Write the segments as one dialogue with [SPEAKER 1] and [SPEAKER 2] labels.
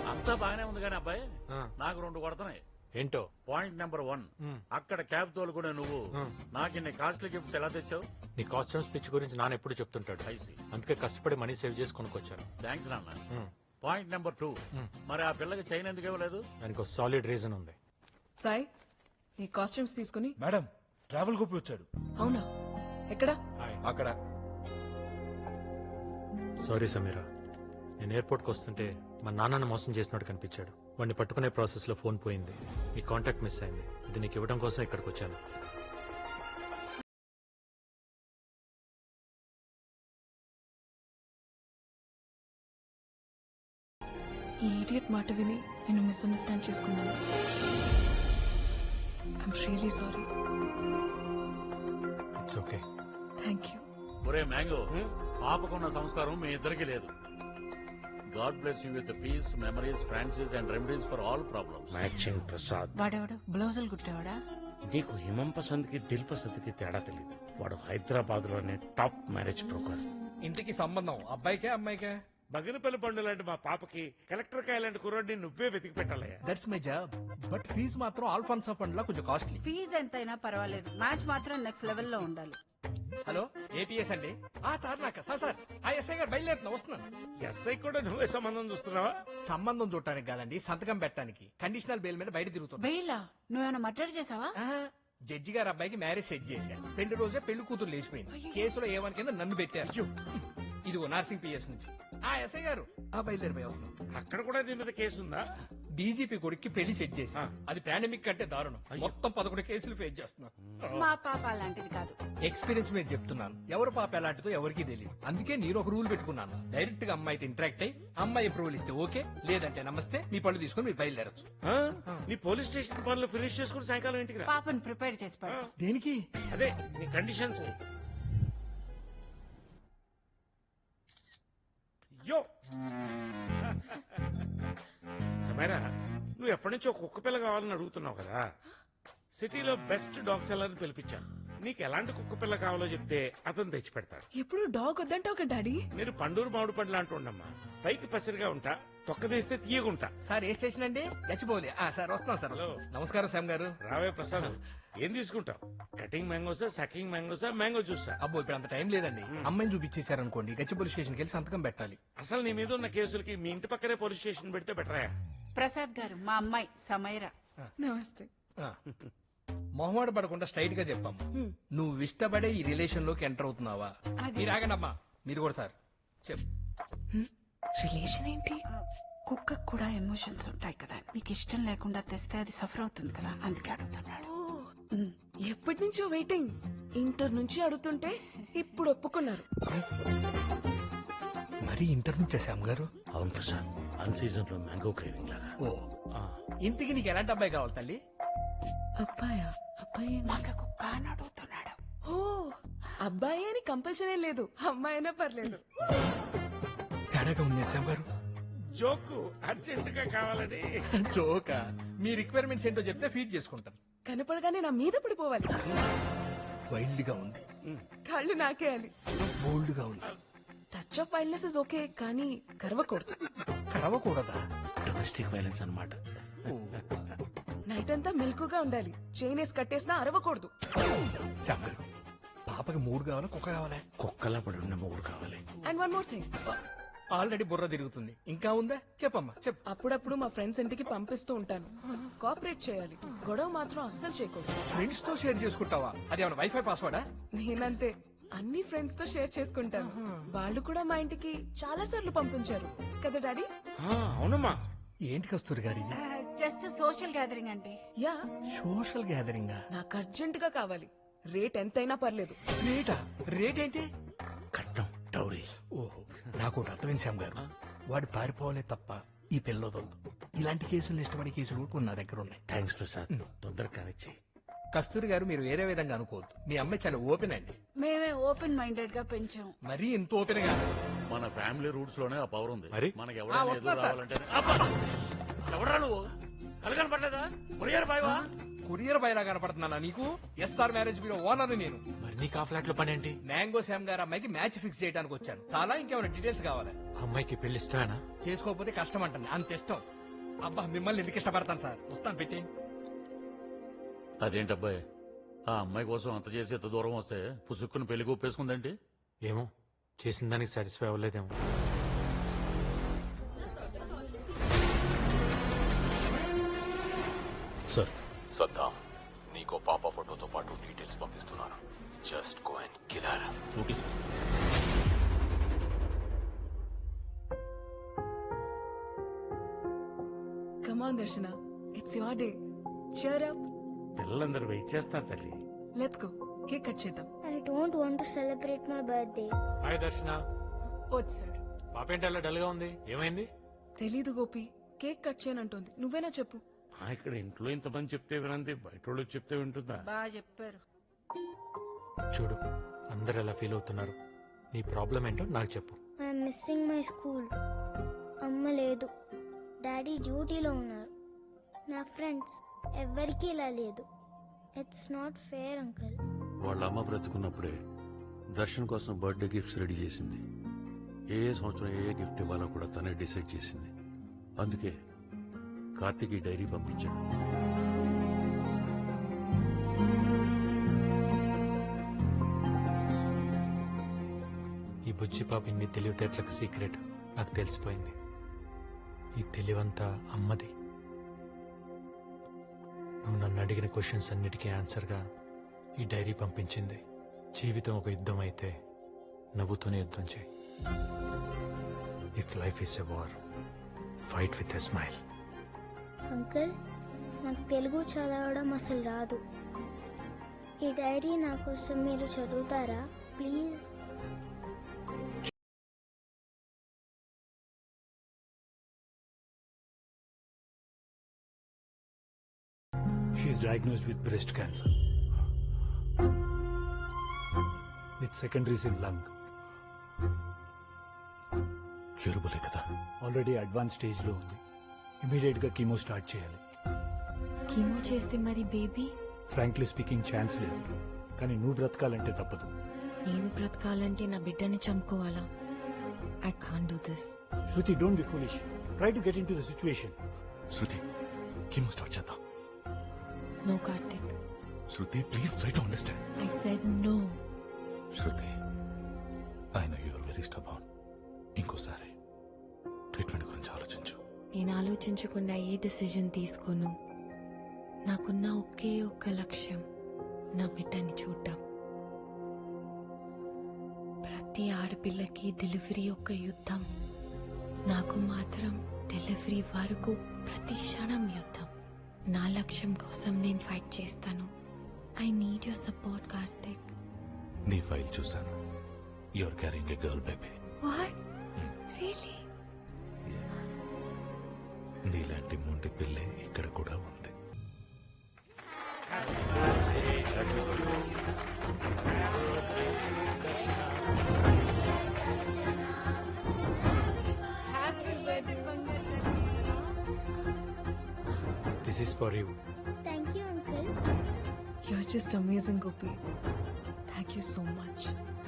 [SPEAKER 1] అంతా బాగానే ఉంది కానీ అబ్బాయి నాకు 2 కొడుతున్నాయి.
[SPEAKER 2] ఏంటో?
[SPEAKER 1] పాయింట్ నెంబర్ 1, అక్కడ క్యాబ్ తోలుకునే నువ్వు నాకు ఇన్ని కాస్ట్లీ గిఫ్ట్స్ ఎలా తెచ్చావు?
[SPEAKER 2] నీ కాస్ట్యూమ్ స్పిచ్ గురించి నాన్న ఎప్పుడు చెప్తుంటాడు. అందుకే కష్టపడి మనీ సేవ్ చేసి కొనుక్కొచ్చాను.
[SPEAKER 1] థ్యాంక్స్ నాన్న. పాయింట్ నెంబర్ 2, మరి ఆ పిల్లకి చైన్ ఎందుకు ఇవ్వలేదు?
[SPEAKER 2] దానికి ఒక సాలిడ్ రీజన్ ఉంది.
[SPEAKER 3] సాయి ఈ కాస్ట్యూమ్స్ తీసుకుని.
[SPEAKER 4] మేడం ట్రావెల్ గోపి వచ్చాడు.
[SPEAKER 3] అవునా? ఎక్కడ?
[SPEAKER 4] అక్కడ.
[SPEAKER 2] సారీ సమీరా, నేను ఎయిర్పోర్ట్కి వస్తుంటే మా నాన్నను మోసం చేసినట్టు కనిపించాడు. వాడిని పట్టుకునే ప్రాసెస్ లో ఫోన్ పోయింది. నీ కాంటాక్ట్ మిస్ అయింది. ఇది నీకు ఇవ్వడం కోసం ఇక్కడికి వచ్చాను.
[SPEAKER 3] ఈ ఇడియట్ మాట విని నేను మిస్అండర్స్టాండ్ చేసుకున్నాను. I'm really sorry.
[SPEAKER 2] It's okay.
[SPEAKER 3] Thank you.
[SPEAKER 1] ఒరే మ్యాంగో, పాపకున్న సంస్కారం మీ ఇద్దరికి లేదు. God bless you with peace, memories, Francis and remedies for all problems.
[SPEAKER 5] Matching Prasad.
[SPEAKER 6] వాడెవడు బ్లౌజులు కుట్టేవాడా?
[SPEAKER 5] నీకు హిమం పసంద్ కి దిల్ పసంద్ కి తేడా తెలియదు. వాడు హైదరాబాద్ లోనే టాప్ మ్యారేజ్ బ్రోకర్.
[SPEAKER 4] ఇంటికి సంబంధం అబ్బాయికే అమ్మాయికే?
[SPEAKER 5] బగినపల్లి పండు లాంటి మా పాపకి కలెక్టర్ కాయ లాంటి కుర్రాడిని నువ్వే వెతికి పెట్టాలయ్యా.
[SPEAKER 4] That's my job. But fees మాత్రం ఆల్ఫాన్సా ఫండ్ లా కొంచెం కాస్ట్లీ.
[SPEAKER 6] ఫీజు ఎంతైనా పర్వాలేదు, మ్యాచ్ మాత్రం నెక్స్ట్ లెవెల్ లో ఉండాలి.
[SPEAKER 4] హలో ఏపీఎస్ అండి. తార్నాక సార్ ఆ ఎస్ఐ గారు బయలుదేరుతున్నా, వస్తున్నాను.
[SPEAKER 5] ఎస్ఐ కూడా నువ్వే సంబంధం చూస్తున్నావా?
[SPEAKER 4] సంబంధం చూడటానికి కాదండి, సంతకం పెట్టడానికి. కండిషనల్ బెయిల్ మీద బయట తిరుగుతున్నా.
[SPEAKER 6] బెయిలా? నువ్వేమైనా మర్డర్ చేసావా?
[SPEAKER 4] జడ్జి గారు అబ్బాయికి మ్యారేజ్ సెట్ చేశారు. పెళ్లి రోజే పెళ్లి కూతురు లేచిపోయింది. కేసులో ఏమని కింద నన్ను పెట్టారు. ఇదిగో నర్సింగ్ పిఎస్ నుంచి. ఎస్ఐ గారు బయలుదేరిపోయి వస్తున్నాం.
[SPEAKER 5] అక్కడ కూడా నీ మీద కేసు ఉందా?
[SPEAKER 4] డీజీపీ కొడుక్కి పెళ్లి సెట్ చేసి అది పాండమిక్ కంటే దారుణం. మొత్తం 11 కేసులు ఫేస్ చేస్తున్నా.
[SPEAKER 6] మా పాప అలాంటిది కాదు.
[SPEAKER 4] ఎక్స్పీరియన్స్ మీద చెప్తున్నాను. ఎవరు పాప ఎలాంటిదో ఎవరికి తెలియదు. అందుకే నేను ఒక రూల్ పెట్టుకున్నాను. డైరెక్ట్ గా అమ్మాయితో ఇంటరాక్ట్ అయ్యి అమ్మాయి అప్రూవల్ ఇస్తే ఓకే, లేదంటే నమస్తే, మీ పళ్ళు తీసుకుని మీరు బయలుదేరచ్చు.
[SPEAKER 5] నీ పోలీస్ స్టేషన్ పనులు ఫినిష్ చేసుకుని సాయంకాలం ఇంటికి రా.
[SPEAKER 6] పాపను ప్రిపేర్ చేసి పెడతా.
[SPEAKER 4] దేనికి?
[SPEAKER 5] అదే నీ కండిషన్స్. యో సమీరా, నువ్వు ఎప్పటి నుంచో కుక్క పిల్ల కావాలని అడుగుతున్నావు కదా. సిటీలో బెస్ట్ డాగ్ సెల్లర్ ని పిలిపించాను. నీకు ఎలాంటి కుక్క పిల్ల కావాలో చెప్తే అతను తెచ్చి పెడతాడు.
[SPEAKER 3] ఎప్పుడు డాగ్ వద్దంటే ఒక డాడీ.
[SPEAKER 5] నేను పండూరు మామిడి పండ్లు అంటుండమ్మా. పైకి పసిరిగా ఉంటా, తొక్క తీస్తే తీయగుంటా.
[SPEAKER 4] సార్ ఏ స్టేషన్ అండి? గచ్చిబౌలి. సార్ వస్తున్నాం సార్. నమస్కారం శ్యామ్ గారు.
[SPEAKER 5] రావే ప్రసాద్, ఏం తీసుకుంటావు? కటింగ్ మ్యాంగోసా, సకింగ్ మ్యాంగోసా, మ్యాంగో జ్యూసా?
[SPEAKER 4] అబ్బో ఇప్పుడు అంత టైం లేదండి. అమ్మాయిని చూపించేశారనుకోండి, గచ్చిబౌలి స్టేషన్కి వెళ్ళి సంతకం పెట్టాలి.
[SPEAKER 5] అసలు నీ మీద ఉన్న కేసులకి మీ ఇంటి పక్కనే పోలీస్ స్టేషన్ పెడితే బెటరా?
[SPEAKER 6] ప్రసాద్ గారు మా అమ్మాయి సమైరా.
[SPEAKER 3] నమస్తే.
[SPEAKER 4] మొహమాట పడకుండా స్ట్రైట్ గా చెప్పమ్మా, నువ్వు ఇష్టపడే ఈ రిలేషన్ లోకి ఎంటర్ అవుతున్నావా? మీరు ఆగండమ్మా, మీరు కూడా సార్ చెప్పు.
[SPEAKER 3] రిలేషన్ ఏంటి?
[SPEAKER 6] కుక్కకు కూడా ఎమోషన్స్ ఉంటాయి కదా, నీకు ఇష్టం లేకుండా తెస్తే అది సఫర్ అవుతుంది కదా, అందుకే అడుగుతున్నాడు.
[SPEAKER 3] ఎప్పటి నుంచో వెయిటింగ్. ఇంటర్ నుంచి అడుగుతుంటే ఇప్పుడు ఒప్పుకున్నారు.
[SPEAKER 4] మరి ఇంటర్ నుంచే శ్యామ్ గారు?
[SPEAKER 5] అవును ప్రసాద్, అన్ సీజన్ లో మ్యాంగో క్రేవింగ్ లాగా.
[SPEAKER 4] ఓ ఇంటికి నీకు ఎలాంటి అబ్బాయి కావాలి తల్లి?
[SPEAKER 3] అబ్బాయా? అబ్బాయి
[SPEAKER 6] నాకు కుక్క అని అడుగుతున్నాడు.
[SPEAKER 3] ఓ అబ్బాయి అని కంపల్సరీ లేదు, అమ్మాయి అయినా పర్లేదు.
[SPEAKER 4] తేడాగా ఉంది శ్యామ్ గారు.
[SPEAKER 5] జోకు అర్జెంట్ గా కావాలని.
[SPEAKER 4] జోకా? మీ రిక్వైర్మెంట్స్ ఏంటో చెప్తే ఫీడ్ చేసుకుంటాను.
[SPEAKER 3] కనపడగానే నా మీద పడిపోవాలి.
[SPEAKER 4] వైల్డ్ గా ఉంది.
[SPEAKER 3] కళ్ళు నాకేయాలి.
[SPEAKER 4] బోల్డ్ గా ఉంది.
[SPEAKER 3] Touch of wildness is okay, కానీ కరవకూడదు.
[SPEAKER 4] కరవకూడదా?
[SPEAKER 5] డొమెస్టిక్ వైలెన్స్ అన్నమాట.
[SPEAKER 3] నైట్ అంతా మెలకుగా ఉండాలి. చైన్ వేసి కట్టేసినా అరవకూడదు.
[SPEAKER 4] శ్యామ్ గారు, పాపకి 3 కావాలా కుక్క కావాలా?
[SPEAKER 5] కుక్కలా పడి ఉన్న మూడు కావాలి.
[SPEAKER 3] And one more thing,
[SPEAKER 4] already బుర్ర తిరుగుతుంది, ఇంకా ఉందా? చెప్పమ్మా చెప్పు.
[SPEAKER 3] అప్పుడప్పుడు మా ఫ్రెండ్స్ ఇంటికి పంపిస్తూ ఉంటాను. కోఆపరేట్ చేయాలి, గొడవ మాత్రం అస్సలు చేయకూడదు.
[SPEAKER 4] ఫ్రెండ్స్ తో షేర్ చేసుకుంటావా? అది ఏమైనా వైఫై పాస్వర్డా?
[SPEAKER 3] నేనంతే, అన్ని ఫ్రెండ్స్ తో షేర్ చేసుకుంటాను. వాళ్ళు కూడా మా ఇంటికి చాలా సార్లు పంపించారు కదా డాడీ?
[SPEAKER 5] అవునమ్మా.
[SPEAKER 4] ఏంటి కస్తూరి గారి?
[SPEAKER 6] జస్ట్ సోషల్ గ్యాదరింగ్ అండి.
[SPEAKER 3] Yeah,
[SPEAKER 4] social gathering.
[SPEAKER 3] నాకు అర్జెంట్ గా కావాలి. రేట్ ఎంతైనా పర్లేదు.
[SPEAKER 4] రేటా? రేట్ ఏంటి?
[SPEAKER 5] కట్నం, డౌరీ.
[SPEAKER 4] ఓహో, నాకు ఒకటి అర్థమైంది శ్యామ్ గారు. వాడు పారిపోవాలే తప్ప ఈ పిల్లదొద్దు. ఇలాంటి కేసులు ఇష్టపడే కేసులు కూడా నా దగ్గర ఉన్నాయి.
[SPEAKER 5] థ్యాంక్స్ ప్రసాద్, తొందరగా కానిచ్చి.
[SPEAKER 4] కస్తూరి గారు, మీరు వేరే విధంగా అనుకోవద్దు. మీ అమ్మాయి చాలా ఓపెన్ అండి.
[SPEAKER 6] మేమే ఓపెన్ మైండెడ్ గా పెంచాం.
[SPEAKER 4] మరీ ఇంత ఓపెన్ గా.
[SPEAKER 1] మన ఫ్యామిలీ రూట్స్ లోనే ఆ పవర్ ఉంది.
[SPEAKER 2] మరి?
[SPEAKER 1] మనకి ఎవరైనా
[SPEAKER 4] వస్తున్నా
[SPEAKER 1] ఎదురు
[SPEAKER 4] సార్.
[SPEAKER 1] రావాలంటే ఎవరా నువ్వు? కలగని పడలేదా? కొరియర్ బాయ్వా?
[SPEAKER 4] కొరియర్ బయలా కనపడుతున్నానా నీకు? ఎస్ఆర్ మ్యారేజ్ బ్యూరో ఓనర్ నేను.
[SPEAKER 2] మరి నీకు ఆ ఫ్లాట్ లో పని ఏంటి?
[SPEAKER 4] మ్యాంగో శ్యామ్ గారు అమ్మాయికి మ్యాచ్ ఫిక్స్ చేయడానికి వచ్చాను. చాలా ఇంకేమైనా డీటెయిల్స్ కావాలి?
[SPEAKER 2] అమ్మాయికి పెళ్లి ఇష్టమేనా?
[SPEAKER 4] చేసుకోకపోతే కష్టం అంటాను, అంత ఇష్టం. అబ్బా మిమ్మల్ని ఎందుకు ఇష్టపడతాను సార్, వస్తాను పెట్టి.
[SPEAKER 1] అదేంటబ్బాయి, ఆ అమ్మాయి కోసం అంత చేసి ఎంత దూరం వస్తే పుసుక్కుని పెళ్లి ఒప్పేసుకుందేంటి?
[SPEAKER 2] ఏమో చేసిన దానికి సాటిస్ఫై అవ్వలేదేమో.
[SPEAKER 1] సార్,
[SPEAKER 7] సద్దాం, నీకో పాప ఫోటోతో పాటు డీటెయిల్స్ పంపిస్తున్నాను. Just go and kill her.
[SPEAKER 1] Okay sir.
[SPEAKER 3] Come on, Darshana. It's your day. Cheer up.
[SPEAKER 5] పిల్లలందరూ వెయిట్ చేస్తారు తల్లి.
[SPEAKER 3] Let's go. కేక్ కట్ చేద్దాం.
[SPEAKER 8] I don't want to celebrate my birthday.
[SPEAKER 2] Hi Darshana.
[SPEAKER 3] వచ్చాడు.
[SPEAKER 2] పాప ఏంటి అలా డల్ గా ఉంది, ఏమైంది?
[SPEAKER 3] తెలీదు గోపి, కేక్ కట్ చేయనంటోంది. నువ్వేనా చెప్పు.
[SPEAKER 5] ఇక్కడ ఇంట్లో ఇంతమంది చెప్తే వినంది, బయట వాళ్ళు చెప్తే వింటుందా?
[SPEAKER 6] బాగా చెప్పారు.
[SPEAKER 2] చూడు అందరు ఎలా ఫీల్ అవుతున్నారు. నీ ప్రాబ్లం ఏంటో నాకు చెప్పు.
[SPEAKER 8] I'm missing my school. అమ్మ లేదు, డాడీ డ్యూటీలో ఉన్నారు. నా ఫ్రెండ్స్ ఎవ్వరికీ ఇలా లేదు. It's not fair uncle.
[SPEAKER 9] వాళ్ళ అమ్మ బ్రతుకున్నప్పుడే దర్శన్ కోసం బర్త్డే గిఫ్ట్స్ రెడీ చేసింది. ఏ సంవత్సరం ఏ గిఫ్ట్ ఇవ్వాలో కూడా తనే డిసైడ్ చేసింది. అందుకే కార్తీక్ ఈ డైరీ పంపించాడు.
[SPEAKER 2] ఈ బుజ్జి పాప ఇన్ని తెలివితేటలకు సీక్రెట్ నాకు తెలిసిపోయింది. ఈ తెలివంతా అమ్మది. నువ్వు నన్ను అడిగిన క్వశ్చన్స్ అన్నిటికీ ఆన్సర్గా ఈ డైరీ పంపించింది. జీవితం ఒక యుద్ధం అయితే నవ్వుతూనే యుద్ధం చేయి. If life is a war, fight with a smile.
[SPEAKER 8] Uncle, నాకు తెలుగు చదవడం అసలు రాదు. ఈ డైరీ నా కోసం మీరు చదువుతారా please?
[SPEAKER 10] She is diagnosed with breast cancer with secondaries in lung.
[SPEAKER 9] క్యూరబులే కదా?
[SPEAKER 10] ఆల్రెడీ అడ్వాన్స్ స్టేజ్ లో ఉంది. ఇమీడియట్ గా కీమో స్టార్ట్ చేయాలి.
[SPEAKER 11] కీమో చేస్తే మరి బేబీ?
[SPEAKER 10] ఫ్రాంక్లీ స్పీకింగ్ ఛాన్స్ లేదు, కానీ నువ్వు బ్రతకాలంటే తప్పదు.
[SPEAKER 11] నేను బ్రతకాలంటే నా బిడ్డని చంపుకోవాలా? I can't do this.
[SPEAKER 10] Shruti, don't be foolish. Try to get in to the situation.
[SPEAKER 7] Shruti, chemo start చేద్దాం.
[SPEAKER 11] No Karthik.
[SPEAKER 7] Shruti, please try to understand.
[SPEAKER 11] I said no.
[SPEAKER 7] Shruti, I know you are very stubborn. ఇంకోసారి ట్రీట్మెంట్ గురించి ఆలోచించు.
[SPEAKER 11] నేను ఆలోచించకుండా ఏ decision తీసుకోను. నాకున్న ఒకే ఒక్క లక్ష్యం నా బిడ్డని చూడటం. ప్రతి ఆడపిల్లకి డెలివరీ ఒక యుద్ధం. నాకు మాత్రం డెలివరీ వరకు ప్రతి క్షణం యుద్ధం. నా లక్ష్యం కోసం నేను ఫైట్ చేస్తాను. I need your support Karthik.
[SPEAKER 7] నీ ఫైల్ చూశాను. You are carrying a girl baby.
[SPEAKER 11] What? Really?
[SPEAKER 7] నీలాంటి మొండి పిల్లే ఇక్కడ కూడా ఉంది.
[SPEAKER 2] This is for you.
[SPEAKER 8] Thank you uncle.
[SPEAKER 3] You're just amazing, Gopi. Thank you so much.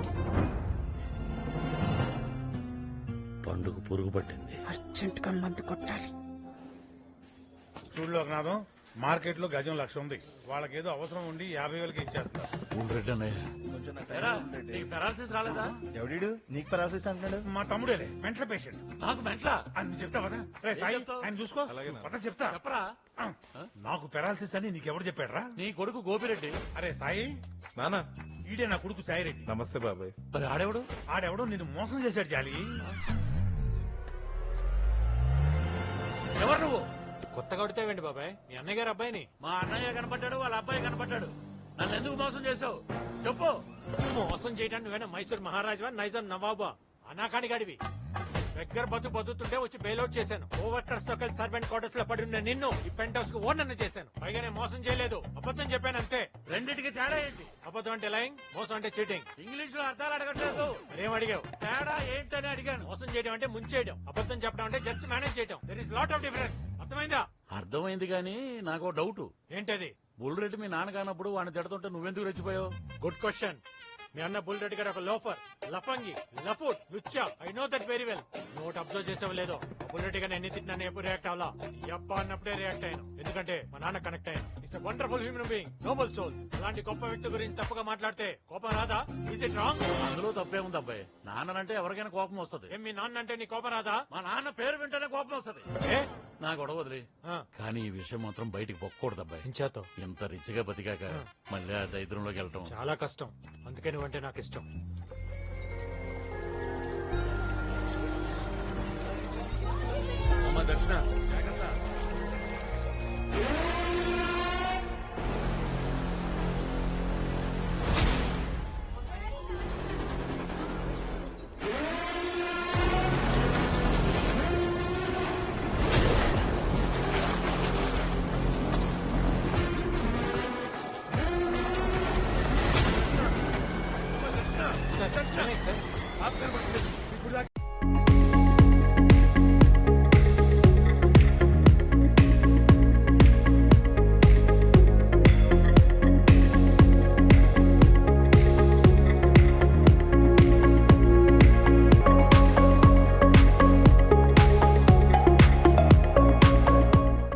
[SPEAKER 5] పండుగ పురుగు పట్టింది.
[SPEAKER 6] అర్జెంట్ గా మందు కొట్టాలి.
[SPEAKER 12] చూడు లోకనాథం, మార్కెట్ లో గజం 1,00,000 ఉంది. వాళ్ళకేదో అవసరం ఉండి 50,000కి ఇచ్చేస్తున్నారు.
[SPEAKER 1] రెడ్డి అన్నయ్య, నీకు పెరాలసిస్ రాలేదా?
[SPEAKER 10] ఎవడీడు నీకు పరాసిస్ అంటున్నాడు?
[SPEAKER 12] మా తమ్ముడేలే, మెంటల్ పేషెంట్.
[SPEAKER 1] నాకు మెంట్లా?
[SPEAKER 12] అని చెప్తా కదా. రే సాయి,
[SPEAKER 1] చెప్తావు?
[SPEAKER 12] ఆయన చూసుకో. పద చెప్తా.
[SPEAKER 1] చెప్పరా?
[SPEAKER 12] నాకు పెరాలసిస్ అని నీకెవరు చెప్పాడ్రా?
[SPEAKER 1] నీ కొడుకు గోపిరెడ్డి.
[SPEAKER 12] అరే సాయి,
[SPEAKER 10] నానా,
[SPEAKER 12] ఈడే నా కొడుకు సాయిరెడ్డి.
[SPEAKER 10] నమస్తే బాబాయ్.
[SPEAKER 1] మరి ఆడేవాడు?
[SPEAKER 12] ఆడెవడో నిన్ను మోసం చేశాడు జాలి.
[SPEAKER 1] ఎవరు నువ్వు?
[SPEAKER 2] కొత్తగా కొడితేవేంటి బాబాయ్? మీ అన్నయ్య గారు అబ్బాయిని.
[SPEAKER 1] మా అన్నయ్య కనపడ్డాడు, వాళ్ళ అబ్బాయి కనపడ్డాడు. నన్ను ఎందుకు మోసం చేసావు చెప్పు.
[SPEAKER 2] మోసం చేయడానికి నువ్వేనా మైసూర్ మహారాజా, నైజాం నవాబా? అనాకాని గడివి. దగ్గర బతుకుతుంటే వచ్చి బెయిల్అవుట్ చేశాను. ఓవర్కర్స్ తో కలిసి సర్వెంట్ క్వార్టర్స్ లో పడి ఉన్న నిన్ను ఈ పెంట్ హౌస్ కు ఓనర్ చేశాను. పైగా నేను మోసం చేయలేదు, అబద్ధం చెప్పాను అంతే.
[SPEAKER 1] రెండింటికి తేడా ఏంటి?
[SPEAKER 2] అబద్ధం అంటే లైంగ్, మోసం అంటే చీటింగ్.
[SPEAKER 1] ఇంగ్లీష్ లో అర్థాలు అడగట్లేదు.
[SPEAKER 2] మరేం అడిగావు?
[SPEAKER 1] తేడా ఏంటని అడిగాను.
[SPEAKER 2] మోసం చేయడం అంటే ముంచేయడం, అబద్ధం చెప్పడం అంటే జస్ట్ మేనేజ్ చేయడం. There is lot of difference. అర్థమైందా?
[SPEAKER 1] అర్థమైంది కానీ నాకు డౌట్.
[SPEAKER 2] ఏంటది?
[SPEAKER 1] బుల్రెడ్డి మీ నాన్న కానప్పుడు వాడిని తిడుతుంటే నువ్వెందుకు రెచ్చిపోయావు?
[SPEAKER 2] Good question. మీ అన్న బుల్ రెడ్డి గారు ఒక లోఫర్, లఫంగి, లఫూట్, లుచ్చా. I know that very well. Note observe చేసావు లేదో, బుల్ రెడ్డి గారిని ఎన్ని తిట్టినా ఎప్పుడు రియాక్ట్ అవ్వాలా? యప్ప అన్నప్పుడే రియాక్ట్ అయ్యాను, ఎందుకంటే మా నాన్న కనెక్ట్ అయ్యాను. It's wonderful human being, noble soul. అలాంటి గొప్ప వ్యక్తి గురించి తప్పుగా మాట్లాడితే కోపం రాదా? Is it wrong?
[SPEAKER 1] అందులో తప్పేముంది అబ్బాయి, నాన్నంటే ఎవరికైనా కోపం వస్తుంది.
[SPEAKER 2] ఏం మీ నాన్న అంటే నీ కోపం రాదా?
[SPEAKER 1] మా నాన్న పేరు వింటేనే కోపం వస్తుంది.
[SPEAKER 2] ఏ?
[SPEAKER 1] నా గొడవ వదిలి,
[SPEAKER 2] ఆ.
[SPEAKER 1] కానీ ఈ విషయం మాత్రం బయటికి పొక్కకూడదు అబ్బాయి.
[SPEAKER 2] ఇంచేతో
[SPEAKER 1] ఇంత రిచ్గా బతికాక మళ్ళీ ఆ దరిద్రంలోకి వెళ్ళటం
[SPEAKER 2] చాలా కష్టం, అందుకే నువ్వంటే నాకు ఇష్టం.
[SPEAKER 5] అమ్మ దర్శన